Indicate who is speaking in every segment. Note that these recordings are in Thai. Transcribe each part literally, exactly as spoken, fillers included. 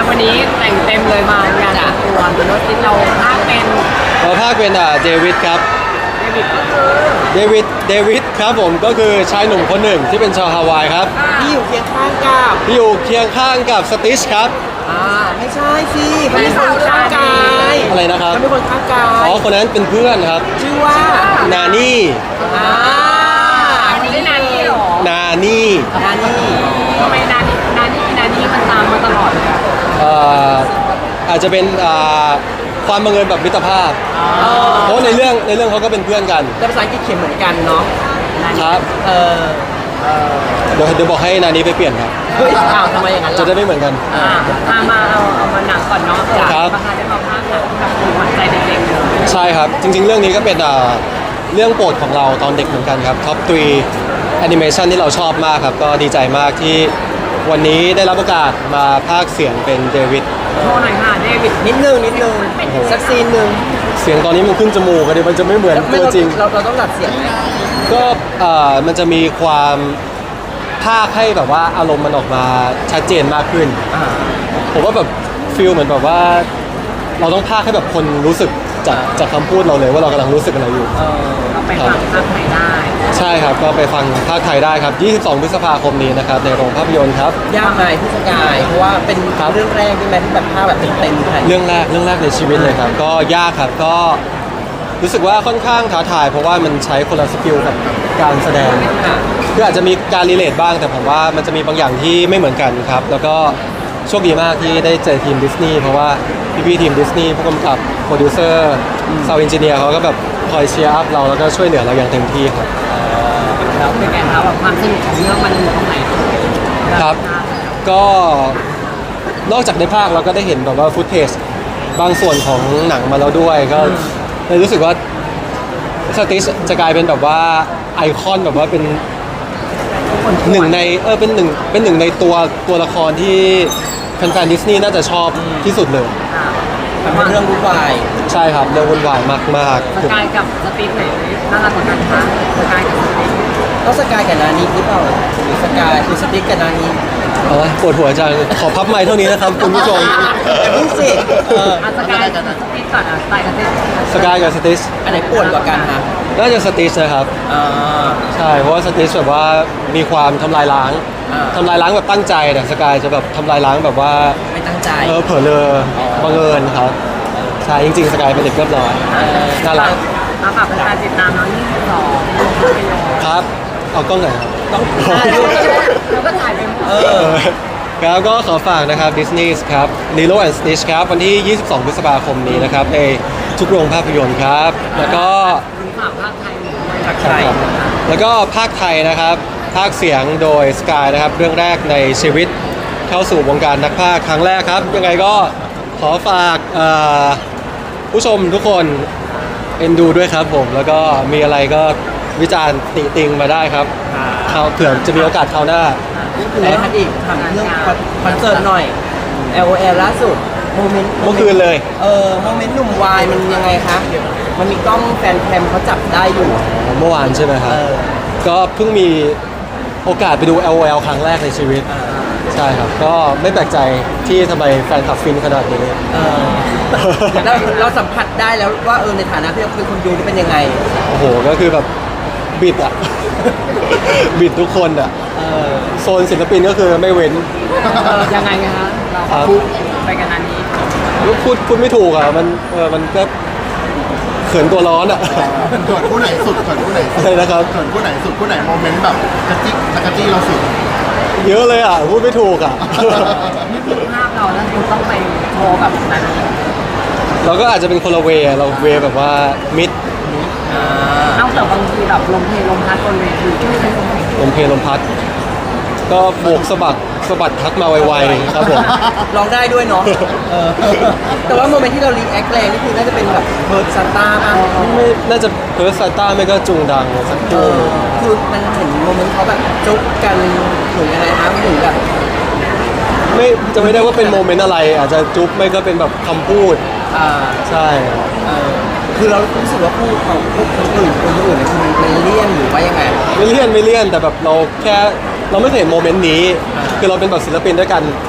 Speaker 1: วันนี้แต่งเต็มเลยมางานตัวรถที่เราภาคเป็น
Speaker 2: เราภาคเป็นอ่าเดวิดครับ
Speaker 1: เดวิดก็คือ
Speaker 2: เดวิดเดวิดครับผมก็คือชายหนุ่มคนหนึ่งที่เป็นชาวฮาวายครับ
Speaker 3: ที่อยู่เคียงข้างกับ
Speaker 2: ที่อยู่เคียงข้างกับสติชครับ
Speaker 3: อ่าไม่ใช่สิเขาเป็นคนข้างกาย
Speaker 2: อะไรนะครับ
Speaker 3: เขาเป็นคนข้างกา
Speaker 2: อ๋อย คนนั้นเป็นเพื่อนครับ
Speaker 3: ชื่อว่า
Speaker 2: นานี่
Speaker 3: อ่า
Speaker 1: ไม่ได้นานี่หรอ
Speaker 2: นานี่
Speaker 3: นานี่
Speaker 1: ทำไมนานี่นานี่นานี่มันตามมาตลอดเลยอะ
Speaker 2: เอ่ออาจจะเป็นอ่าความบังเอิญแบบมิตรภาพ เพราะในเรื่องในเรื่องเขาก็เป็นเพื่อนกัน
Speaker 3: แต่ภาษาอังกฤษเขียนเหมือนกันเนาะ
Speaker 2: ครับ
Speaker 3: เออ
Speaker 2: เดี๋ยวเดี๋ยวบอกให้นานี้ไปเปลี่ยนครับ
Speaker 3: เฮ้ยอ้าวทำไมอย่างนั้น
Speaker 2: จะ
Speaker 3: ล่ะ
Speaker 2: ได้ไม่เหมือนกัน
Speaker 3: อ่า
Speaker 1: มามาเอาเอามาหนังก่อนเนาะ
Speaker 2: ครับ
Speaker 1: ประธานได้มาภาคหนังกับคุณขวัญใจเด็กๆเลย
Speaker 2: ใช่ครับ จริงๆ เรื่องนี้ก็เป็นอ่าเรื่องโปรดของเราตอนเด็กเหมือนกันครับท็อปทรีแอนิเมชันที่เราชอบมากครับ ก็ดีใจมากที่วันนี้ได้รับโอกาสมาพากย์เสียงเป็นเดวิด
Speaker 1: โชว์หน่อยค่ะเดวิด
Speaker 3: นิดนึงนิดนึงสักซีนหนึ่ง
Speaker 2: เสียงตอนนี้มันขึ้นจมูกกันดิมันจะไม่เหมือน
Speaker 3: ไม่
Speaker 2: ตัว
Speaker 3: เรา
Speaker 2: จริง
Speaker 3: เราเราต้องดัดเสียงไหม
Speaker 2: ก็เอ่อมันจะมีความพากย์ให้แบบว่าอารมณ์มันออกมาชัดเจนมากขึ้น
Speaker 3: อ่า
Speaker 2: ผมว่าแบบฟีลเหมือนแบบว่า เราต้องพากย์ให้แบบคนรู้สึกจากจากคำพูดเราเลยว่าเรากำลังรู้สึกอะไรอยู่
Speaker 3: เออ
Speaker 1: เราไปฟังภาคไทยได้
Speaker 2: ใช่ครับ ก็ไปฟังภาคไทยได้ครับ ยี่สิบสอง พฤษภาคมนี้นะครับ ในโรงภาพยนตร์ครับ
Speaker 3: ยากไหมพี่สกายเพราะว่าเป็น
Speaker 2: ครับ
Speaker 3: เรื่องแรกใช่ไหมที่แบบภาพแบบเต็มๆค่ะ
Speaker 2: เรื่องแรก เรื่องแรกในชีวิตเลยครับ ก็ยากครับ ก็รู้สึกว่าค่อนข้างท้าทาย เพราะว่ามันใช้คนละสกิลกับการแสดง
Speaker 3: ค่ะ
Speaker 2: คืออาจจะมีการรีเลทบ้าง แต่ผมว่ามันจะมีบางอย่างที่ไม่เหมือนกันครับ แล้วก็โชคดีมากที่ได้เจอทีมดิสนีย์เพราะว่าพี่ๆทีมดิสนีย์ผู้กำกับโปรดิวเซอร์ซาวด์เอนจิเนียร์เขาก็แบบคอยเชียร์อัพเราแล้วก็ช่วยเหลือเราอย่างเต็มที่ครับ
Speaker 1: แล้วเป็นไงคะแบบความสนุกของเรื่องมันอยู่ตรงไหน
Speaker 2: ครับ ก็นอกจากในภาคเราก็ได้เห็นแบบว่าฟุตเทจบางส่วนของหนังมาแล้วด้วยก็เลยรู้สึกว่าสติชจะกลายเป็นแบบว่าไอคอนแบบว่าเป็นหนึ่งในเออเป็นหนึ่งเป็นหนึ่งในตัวตัวละครที่แฟนๆดิสนีย์น่าจะชอบที่สุดเลย
Speaker 1: ค่ะ
Speaker 3: มันเป็นเรื่องวุ่นวาย
Speaker 2: ใช่ครับเรื่องวุ่นวายมาก
Speaker 1: สกายกับสตีฟไหนน่ารักกว่ากันคะสกายกับสตีฟ
Speaker 3: ก็สกายกับนานีหรือเปล่าหรือสกายคือสติ๊กกับนานี
Speaker 2: ๆเอาละปวดหัวจังขอพับไม้เท่านี้นะครับคุณผู้ชม
Speaker 3: อย่าเพิ่งสิเออ
Speaker 1: อ่ะสกายกับสตีฟก่อนอ่ะสกายกับสตีฟ
Speaker 2: สกายกับสติช
Speaker 3: อันไหนปวดกว่ากันฮะ
Speaker 2: น่าจะสติชนะครับ
Speaker 3: อ่า
Speaker 2: ใช่เพราะว่าสติชแบบว่ามีความทำลายล้าง
Speaker 3: อ่า
Speaker 2: ทำลายล้างแบบตั้งใจแต่สกายจะแบบทำลายล้างแบบว่า
Speaker 3: ไม่ตั้งใจ
Speaker 2: เออเผลอเลอบังเอิญครับใช่จริงๆสกายเป็นเด็กเรียบร้อย
Speaker 3: เออ
Speaker 2: น่ารัก
Speaker 1: มาฝากเป็นการติดตามน้องยี่สิบสองลงภาพยนตร์
Speaker 2: ครับเอากล้องหน่อยครับ
Speaker 3: ต้อง
Speaker 1: เราก็ถ่ายไปหมด
Speaker 3: เอ
Speaker 2: เอ
Speaker 3: อ
Speaker 2: อครับก็ขอฝากนะครับ Disney ครับ Lilo and Stitch ครับวันที่ ยี่สิบสอง พฤษภาคมนี้นะครับในทุกโรงภาพยนตร์ครับ แล้วก็
Speaker 1: คุณฝากภาคไทยหน่อย
Speaker 3: ทักไทย
Speaker 2: แล้วก็ภาคไทยนะครับภาคเสียงโดยสกายนะครับเรื่องแรกในชีวิตเข้าสู่วงการนักพากย์ครั้งแรกครับ ยังไงก็ขอฝากเอ่อผู้ชมทุกคนเอ็นดูด้วยครับผม แล้วก็มีอะไรก็วิจารณ์ติติงมาได้ครับคราวเผื่อจะมีโอกาสคราวหน้า
Speaker 3: แล้วคันอีกถามเรื่องคอนเสิร์ตหน่อย แอล โอ แอล ล่าสุดโมเมนต์
Speaker 2: เมื่อคืนเลย
Speaker 3: เออโมเมนต์หนุ่มวายมันยังไงคะมันมีกล้องแฟนแคมเขาจับได้อยู่
Speaker 2: เมื่อวานใช่ไหมครับ
Speaker 3: เออ
Speaker 2: ก็เพิ่งมีโอกาสไปดู แอล โอ แอล ครั้งแรกในชีวิต ใช่ครับ ก็ไม่แปลกใจที่ทำไมแฟนคลับฟินขนาดนี้
Speaker 3: เออแล้วเราสัมผัสได้แล้วว่าเออในฐานะที่เราเป็นคนดูนี่เป็นยังไง
Speaker 2: โอ้โห ก็คือแบบบิดอะ บิดทุกคนอะ
Speaker 3: เออ
Speaker 2: โซนศิลปินก็คือไม่เว้น
Speaker 1: เออยังไงคะเรา
Speaker 2: ครับ
Speaker 1: พูดไปกันอันนี้
Speaker 2: ก็พูดพูดไม่ถูกอะมันเออมันก็เขินตัวร้อนอะ
Speaker 4: เกิดคู่ไหนสุดเกิดคู่ไหนสุด
Speaker 2: อะไรนะครับ
Speaker 4: เกิดคู่ไหนสุดคู่ไหนโมเมนต์แบบกระจิกกระจี้เราสุด
Speaker 2: เยอะเลยอะพูดไม่ถูกอะ
Speaker 1: นี่คือภาพเราแล้วคุณต้องไปโชว์กับนั้น
Speaker 2: เราก็อาจจะเป็นคนละเวย์เราเวย์แบบว่ามิด
Speaker 3: อ่า
Speaker 1: นอกจากบางทีแบบลมเพลลมพัดบนเวที
Speaker 2: ลมเพลลมพัด ก็โบกสะบัดสะบัดทักมาไวๆครับผม
Speaker 3: ร้องได้ด้วยเนาะเออแต่ว่าโมเมนต์ที่เรารีแอคแรงนี่คือน่าจะเป็นแบบเพิร์ดซันต้าป่ะ
Speaker 2: ไม่น่าจะเพิร์สซาต้าไม่ก็จุงดังสัก
Speaker 3: เอ
Speaker 2: คู่
Speaker 3: อคือมันเห็นโมเมนต์เขาแบบจุกกันถึงยังไงคะถึงแบบ
Speaker 2: ไม่จะไม่ได้ว่าเป็นโมเมนต์อะไร อาจจะจุ๊บไม่ก็เป็นแบบคำพูด
Speaker 3: อ่า
Speaker 2: ใช่
Speaker 3: เออคือเรารู้สึกว่าพูดของพวกคนอื่นคนอื่นเนี่ยคือมันเป็นเลี่ยนหรือว่ายังไง
Speaker 2: ไม่เลี่ยนไม่เลี่ยนแต่แบบเราแค่เราไม่เคยเห็นโมเมนต์นี้ คือเราเป็นแบบศิลปินด้วยกัน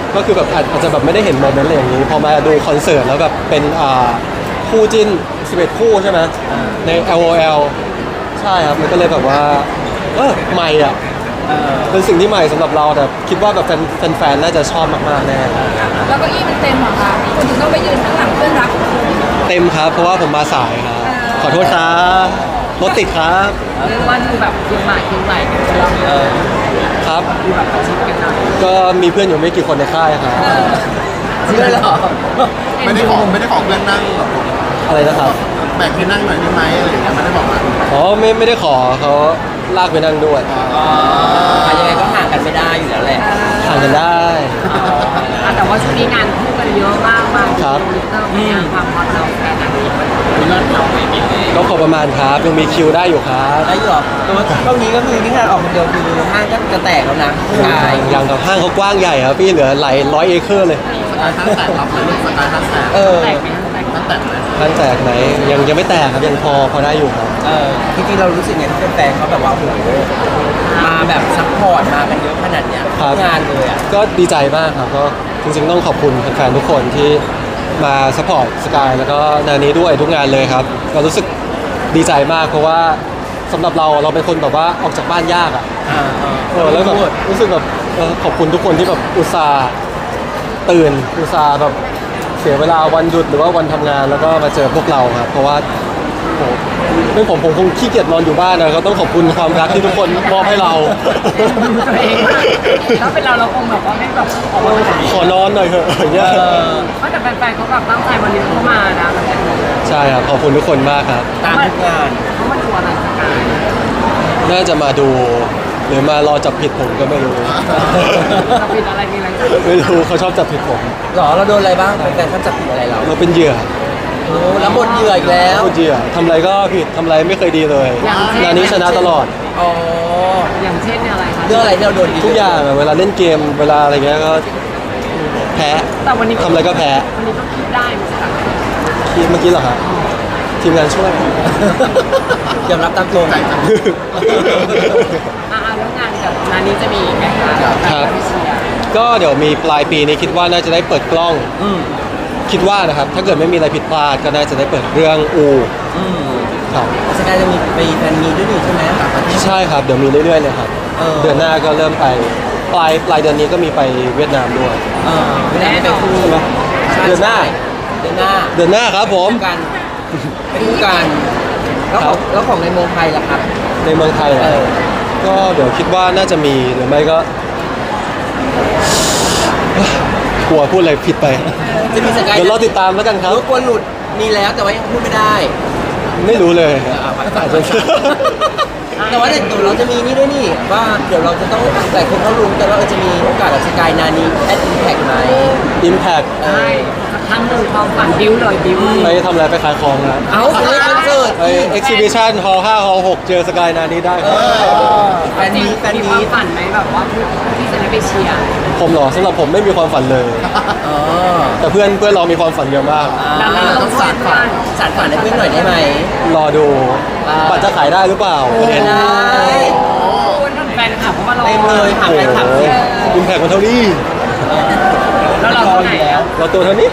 Speaker 2: ก็คือแบบอาจอาจจะแบบไม่ได้เห็นโมเมนต์อะไรอย่างนี้พอมาดูคอนเสิร์ตแล้วแบบเป็นอ่าคู่จิ้นสิบเอ็ดคู่ใช่ไหมใน แอล โอ แอล ใช่ครับมันก็เลยแบบว่าเออใหม่อ่ะ
Speaker 3: เออ
Speaker 2: เป็นสิ่งที่ใหม่สำหรับเราแต่คิดว่าแบบแฟนแฟนๆน่าจะชอบมากๆแน่
Speaker 5: แล้วเก็อี้มันเต็มเหรอคะคุณถึงต้องไปยืนข้างหลังเพื่อนรักของคุณ
Speaker 2: เต็มครับเพราะว่าผมมาสายครับขอโทษครับรถติดครับ
Speaker 1: เรียกว่าดูแบบคิวหมากคิวไหลกันเลยเรา
Speaker 3: เออ
Speaker 2: ครับ
Speaker 1: ดูแบบประชิดกันหน่อย
Speaker 2: ก็มีเพื่อนอยู่ไม่กี่คนในค่ายครับ
Speaker 3: เชื่อเหรอ
Speaker 4: ไม่ได้ขอไม่ได้ขอเพื่อนนั่งหรอก
Speaker 2: อะไรนะครับ
Speaker 4: แบ่งให้นั่งหน่อยได้ไหมอะไรอย่างเงี้ยไม่ได้บอกนะ
Speaker 2: อ๋อไม่ไม่ได้ขอเขาลากไปนั่งด้วย
Speaker 3: อ๋อยังไงก็ห่างกันไม่ได้อยู่แล้วแหละ
Speaker 2: ห่างกันได้
Speaker 1: อ่ะแต่ว่าช่วงนี้งานคู่กันเยอะมากมาก
Speaker 2: ครับ
Speaker 1: ทวิตเตอร์มีงานความฮอตเราแค่ไหนมีเลิศเราไม่มีเลย
Speaker 2: ก็พอประมาณครับยังมีคิวได้อยู่ครับ
Speaker 3: ได้อยู่หรอแต่ว่าช่วงนี้ก็คือที่งานออกคนเดียวคือห้างก็จะแตกแล้วนะใช่
Speaker 2: อย่างกับห้างเขากว้างใหญ่ครับพี่เหลือหลายร้อยเอเคอร์เลย
Speaker 4: สกายท่านแตกรับเลยลูกสกายท่านแตก
Speaker 3: เออ
Speaker 1: แตกไหมคะแตกไหม
Speaker 4: ท่านแตกไหม
Speaker 2: ห้างแตกไหนยังยังไม่แตกครับยังพอพอได้อยู่ครับ
Speaker 3: เออจริงๆเรารู้สึกไงที่แฟนๆเขาแบบว่าโอ้โหมาแบบซัพพอร์ตมากันเยอะขนาดเนี้ย
Speaker 2: ครับ
Speaker 3: ทุกงานเลยอ่ะ
Speaker 2: ก็ดีใจมากครับก็จริงๆต้องขอบคุณแฟนๆทุกคนที่มาสปอร์ตสกายแล้วก็นานี้ด้วยทุกงานเลยครับก็รู้สึกดีใจมากเพราะว่าสำหรับเราเราเป็นคนแบบว่าออกจากบ้านยากอ่ะ
Speaker 3: อ่าอ่า
Speaker 2: เออแล้วแบบรู้สึกแบบเออขอบคุณทุกคนที่แบบอุตส่าห์ตื่นอุตส่าห์แบบเสียเวลาวันหยุดหรือว่าวันทำงานแล้วก็มาเจอพวกเราครับเพราะว่าโอ้โหไม่ผมผมคงขี้เกียจนอนอยู่บ้านนะก็ต้องขอบคุณความรักที่ทุกคนมอบให้เรา
Speaker 1: ตัวเองถ้าเป็นเราเราคงแบบว่าไม่แบบออกมาแบบนี้
Speaker 2: ขอนอนหน่อยเถอะอย่างเงี้ย
Speaker 3: เออ
Speaker 1: เพราะแต่แฟนๆเขาแบบตั้งใจวันนี้เขามานะ
Speaker 2: ใช่ครับขอบคุณทุกคนมากครับ
Speaker 3: ตามทุกงาน
Speaker 1: เขามาดูอะไรสกาย
Speaker 2: น่าจะมาดูหรือมารอจับผิดผมก็ไม่รู้
Speaker 1: จะเป็นอะไรมีอะไรจะ
Speaker 2: ไม่รู้เขาชอบจับผิดผม
Speaker 3: หรอเราโดนอะไรบ้างแฟนๆเขาจับผิดอะไรเรา
Speaker 2: เราเป็นเหยื่อ
Speaker 3: โอ้แล้วบทเหยื่ออีกแล้ว
Speaker 2: พูดเหยื่อทำอะไรก็ผิดทำอะไรไม่เคยดีเลยงานนี้ชนะตลอด
Speaker 3: อ๋อ
Speaker 1: อย่างเช่นอะไรคะ
Speaker 3: เรื่องอะไรที่เราโดน
Speaker 2: ทุกอย่างอะเวลาเล่นเกมเวลาอะไรเงี้ยก็แพ้
Speaker 1: แต่วันนี้
Speaker 2: ทำอะไรก็แพ้
Speaker 1: วันนี้ก็คิดได้ไม่ใช่เหรอ
Speaker 2: ทีมเมื่อกี้เหรอครับทีมงานช่วย
Speaker 3: ยอมรับตามตรง
Speaker 1: อ่าแล้วงานกับนานี้จะมีอีกไหมคะ
Speaker 2: ครับ
Speaker 1: พี่เชียร์
Speaker 2: ก็เดี๋ยวมีปลายปีนี้คิดว่าน่าจะได้เปิดกล้อง
Speaker 3: อืม
Speaker 2: คิดว่านะครับถ้าเกิดไม่มีอะไรผิดพลาดก็น่าจะได้เปิดเรื่องอู
Speaker 3: อืม
Speaker 2: ครับ
Speaker 3: สกายจะมีไปแฟนมีด้วยนี่ใช่ไหม
Speaker 2: ใช่ครับเดี๋ยวมีเรื่อยๆเลยครับ
Speaker 3: เออ
Speaker 2: เดือนหน้าก็เริ่มไปปลายปลายเดือนนี้ก็มีไปเวียดนามด้วย
Speaker 3: เออไม่ได้ไปคู่
Speaker 2: ใช่ไหม
Speaker 3: ใช่
Speaker 2: เดือนหน้า
Speaker 3: เดือนหน้า
Speaker 2: เดือนหน้าครับผม
Speaker 3: คู่กันไปคู่กันแล้วของแล้วของในเมืองไทยล่ะครับ
Speaker 2: ในเมืองไทยเหรอ
Speaker 3: เออ
Speaker 2: ก็เดี๋ยวคิดว่าน่าจะมีหรือไม่ก็ กลัวพูดอะไรผิดไป
Speaker 3: จะมีสกาย
Speaker 2: เดี๋ยวเราติดตามแล้วกันครับ
Speaker 3: รู้กลัวหลุดมีแล้วแต่ว่ายังพูดไม่ได้
Speaker 2: ไม่รู้เลย
Speaker 3: เออเอาไป
Speaker 2: อาจจะ
Speaker 3: แต่ว่าเดี๋ยวเราจะมีนี่ด้วยนี่ว่าเดี๋ยวเราจะต้องหลายคนเขารู้กันว่าเออจะมีโอกาสกับสกายนานีแอดอินแพกไหม
Speaker 2: Impact
Speaker 3: เอ
Speaker 1: ใช่
Speaker 3: อ
Speaker 1: สักครั้งหนึ่งความฝันบิ้วเลยบิ้ว
Speaker 2: ไปทำอะไรไปขายของนะ
Speaker 3: เอาไปเล่นคอนเสิร์ต
Speaker 2: ไป Exhibition Hall ห้า Hall หกเจอสกายนานี้ได้ครับ
Speaker 3: แฟนมีแฟน
Speaker 1: มีค
Speaker 3: มี
Speaker 1: วามฝันไหมแบบว่าที่จะได้ไปเชียร์
Speaker 2: ผมเหรอสำหรับผมไม่มีความฝันเลย
Speaker 3: อ๋อ
Speaker 2: แต่เพื่อนเพื่อนเรามีความฝันเยอะมาก
Speaker 3: อ่าเราต้องสานฝันสานฝันให้เพื่อนหน่อยได้ไหม
Speaker 2: รอดู
Speaker 3: อ่า
Speaker 2: บัตรจะขายได้หรือเปล่าประเด็น
Speaker 3: ได้
Speaker 1: คุณแฟนคลับเขามารอ
Speaker 3: เต็มเลยค่ะ
Speaker 2: โอ้โหอิมแพคมันเท่านี้
Speaker 1: แล้วเรา
Speaker 3: รอ
Speaker 1: เท่า
Speaker 3: อ
Speaker 1: ไหร่
Speaker 3: ยู่แล้ว
Speaker 2: เราตัวเท่านี้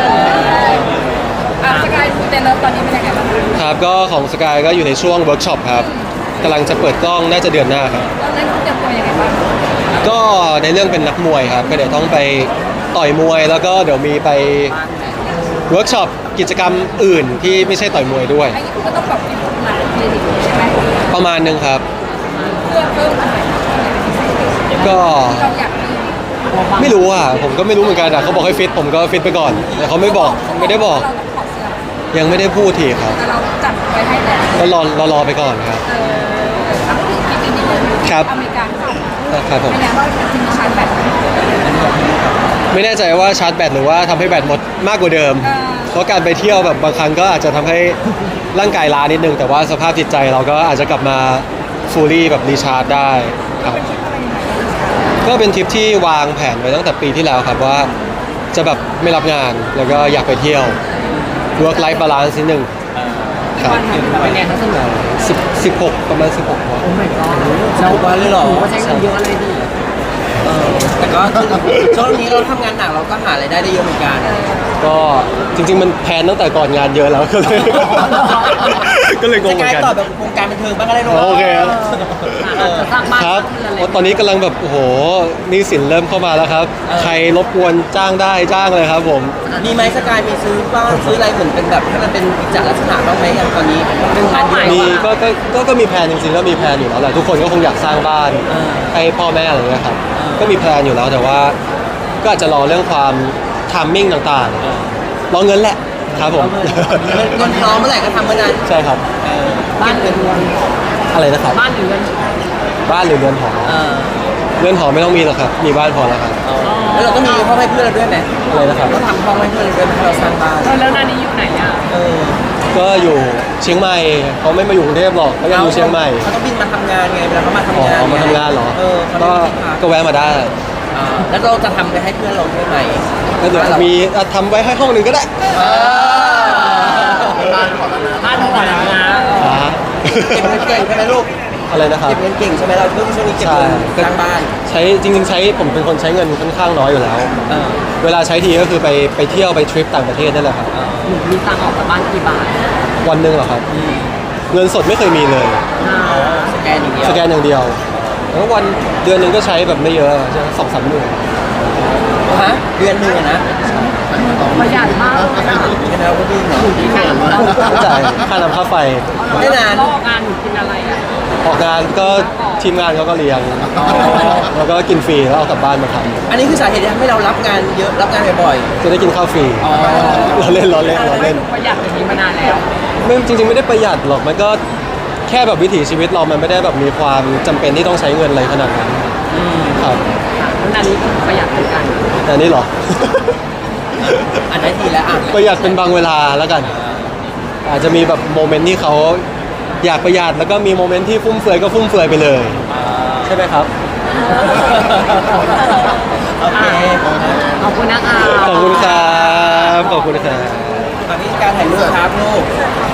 Speaker 5: อ่ะสกายมูเตเลิฟตอนนี้เป็นยังไงบ้าง
Speaker 2: ครับก็ของสกายก็อยู่ในช่วงเวิร์กช็อปครับกำลังจะเปิดกล้องน่าจะเดือนหน้าครับ
Speaker 5: ตอนนั้นคุณเตรียมตัวยังไงบ้าง
Speaker 2: ก็ในเรื่องเป็นนักมวยครับก็เดี๋ยวต้องไปต่อยมวย แล้วก็เดี๋ยวมีไปเวิร์กช็อปกิจกรรมอื่นที่ไม่ใช่ต่อยมวยด้วย
Speaker 5: อันนี้คุณก็ต้องแบบมีผลงานเครดิตใช่ไหม
Speaker 2: ประมาณหนึงครับ
Speaker 5: เพื่อเพิ่มอะไร
Speaker 2: ก็
Speaker 5: เราอยากมี
Speaker 2: ไม่รู้อ่ะผมก็ไม่รู้เหมือนกันอ่ะเขาบอกให้ฟิตผมก็ฟิตไปก่อนแต่เขาไม่บอกไม่ได้บอก
Speaker 5: เราต้องถอดเสื้อ
Speaker 2: ยังไม่ได้พูดทีครับ
Speaker 5: แต่เราจัดไว้ให้แล้ว
Speaker 2: ก็รอรอรอไปก่อนครับ
Speaker 5: เออเอาพูดถึงคลิปนี้นิดนึง
Speaker 2: ครับ
Speaker 5: อเมริกาค่ะ
Speaker 2: ครับผม
Speaker 5: เป็นไงบ้างจริงๆชาร์จแบต
Speaker 2: ไม่แน่ใจว่าชาร์จแบตหรือว่าทำให้แบตหมดมากกว่าเดิม
Speaker 5: เออ
Speaker 2: เพราะการไปเที่ยวแบบบางครั้งก็อาจจะทำให้ร่างกายล้านิดนึง แต่ว่าสภาพจิตใจเราก็อาจจะกลับมาฟูลี่แบบรีชาร์จได้ครับก็เป็นทริปที่วางแผนไว้ตั้งแต่ปีที่แล้วครับว่าจะแบบไม่รับงานแล้วก็อยากไปเที่ยว work life balance นิดนึงครับ
Speaker 1: วันหนึ่งเป็นไงเขาสนุก
Speaker 2: สิบสิบหกประมาณสิบหกวัน
Speaker 1: โอ้ my god
Speaker 3: ทุกวันเลยเหรอ
Speaker 1: หนูก็ใช้เงินเยอะเลยดิ
Speaker 3: เออแต่ก็ช่วงนี้เราทำงานหนักเราก็หารายได้ได้เยอะเหมือนกัน
Speaker 2: ก็จริง ๆ มันแพลนตั้งแต่ก่อนงานเยอะแล้วก็เลย ก็เลยงง
Speaker 3: จะ
Speaker 2: เหมื
Speaker 3: ก
Speaker 2: อ
Speaker 3: ลาย
Speaker 2: นกัน
Speaker 3: ต่อแบบวงการบันเทิงบ้างก็ได้เนอะ
Speaker 2: โอเคครับ
Speaker 1: จะสร้างบ้าน
Speaker 2: ครับ
Speaker 1: สร้างเรือนอะไร
Speaker 2: โอ้ตอนนี้กำลังแบบโอ้โหหนี่สินเริ่มเข้ามาแล้วครับ ใครรบกวนจ้างได้จ้างเลยครับผม
Speaker 3: มีไหมสกายมีซื้อบ้างซื้ออะไรเหมือนเป็นแบบให้มันเป็นกิจลักษณะบ้างไหมอย่างตอนนี้เป็นงานเยอะ
Speaker 2: มีก็ก็ก็ก็มีแพลนจริงๆก็มีแพลนอยู่แล้วแหละทุกคนก็คงอยากสร้างบ้าน
Speaker 3: เออ
Speaker 2: ให้พ่อแม่อะไรเงี้ยครับ
Speaker 3: เออ
Speaker 2: ก็มีแพลนอยู่แล้วแต่ว่า ก็อาจจะรอเรื่องความทามมิ่งต่างๆรอเงินแหละครับผม
Speaker 3: เงินเงินพร้อมเมื่อไหร่ก็ทำเมื่อนั้น
Speaker 2: ใช่ครับ
Speaker 3: เออ
Speaker 1: บ้านหรือเรือน
Speaker 2: อะไรนะครับ
Speaker 1: บ้านหรือเรือน
Speaker 2: บ้านหรือเรือนหอ
Speaker 3: เออ
Speaker 2: เรือนหอไม่ต้องมีหรอกครับมีบ้านพอแล้วครับ
Speaker 3: แล้วเราก็มีห้องให้เพื่อนเราด้วยไหม
Speaker 2: อะไรนะครับ
Speaker 3: ก็ทำห้องให้เพื่อนเราด้วยไหมถ้าเราสร้างบ้าน
Speaker 1: แล้วนานี้อยู่ไหนอ่ะ
Speaker 3: เออ
Speaker 2: ก็อยู่เชียงใหม่เขาไม่มาอยู่กรุงเทพหรอกเขายังอยู่เชียงใหม่
Speaker 3: เขาต้องบินมาทำงานไงเวลาเขามา
Speaker 2: อ๋
Speaker 3: ทำงาน
Speaker 2: อมาทำงานเหรอ
Speaker 3: เออเขา
Speaker 2: ก็
Speaker 3: ไม่ได้พัก
Speaker 2: ก็แวะมาได้
Speaker 3: อ่าแล้วเราจะทำไปให้เพื่อนเราด้วยไหม
Speaker 2: แล้วเดี๋ยวมีอ่ะทำไว้ให้ห้องหนึ่งก็ได้
Speaker 3: เออ
Speaker 4: บ้านก่อนแล้วนะ
Speaker 1: บ้านก่อนแล้วนะ
Speaker 2: อ่า
Speaker 3: เก็บเงินเก่งใช่ไหมลูก
Speaker 2: อะไรนะครับ
Speaker 3: เก็บเงินเก่งใช่ไหมเราช่วงช่วงนี้เก็บ
Speaker 2: ใช่
Speaker 3: เงินสร้างบ้าน
Speaker 2: ใช้จริงๆใช้ผมเป็นคนใช้เงินค่อนข้างน้อยอยู่แล้ว
Speaker 3: เออ
Speaker 2: เวลาใช้ทีก็คือไปไปเที่ยวไปทริปต่างประเทศนั่นแหละครับ
Speaker 1: หนูมีตังค์ออกจากบ้านกี่บาท
Speaker 2: วันหนึ่งเหรอครับ เงินสดไม่เคยมีเลย
Speaker 1: อ่า
Speaker 3: สแกนอย่างเดียว
Speaker 2: สแกนอย่างเดียวแล้ววันเดือนหนึ่งก็ใช้แบบไม่เยอะใช่สองสามหมื่น
Speaker 3: ฮะเดือนหนึ่งอะนะ
Speaker 1: ประหยัดมากเลยอ่ะ
Speaker 3: แค่นั้นเราก็ดีเนาะ
Speaker 1: ที่ไหนเรา
Speaker 2: ก็จ่ายค่าน้ำค่าไฟ
Speaker 3: ไม่นาน
Speaker 1: ก็งานหนูกินอะไรอ่ะ
Speaker 2: ออกงานก็ทีมงานเขาก็เลี้ยงแล้วก็กินฟรีแล้วเอากลับบ้านมาท
Speaker 3: อันนี้คือสาเหตุที่ทำให้เรารับงานเยอะรับงานบ่อย
Speaker 2: ำจะได้กินข้าวฟรี
Speaker 3: ๆอ๋อ
Speaker 2: เราเล่นเราเล่นเราเล่น
Speaker 1: ประหยัดอย่างนี้มานานแล้ว
Speaker 2: ไม่จริงๆไม่ได้ประหยัดหรอกมันก็แค่แบบวิถีชีวิตเรามันไม่ได้แบบมีความจำเป็นที่ต้องใช้เงินอะไรขนาดนั้นครับ
Speaker 1: ค่ะแล้วนานี้ก็ประหยัดเหมือนกัน
Speaker 2: แต่อันนี่หรอ
Speaker 3: อันนั้นทีแล้วอ่ะ
Speaker 2: ประหยัดเป็นบางเวลาแล้วกัน อาจจะมีแบบโมเมนต์ที่เขาอยากประหยัดแล้วก็มีโมเมนต์ที่ฟุ่มเฟือยก็ฟุ่มเฟือยไปเลย ใช่ไหมครับ
Speaker 3: โอเค
Speaker 1: ขอบคุณนะคะ
Speaker 2: ขอบคุณครับขอบคุณครับ
Speaker 3: ตอนนี้การถ่ายรูปครับลูก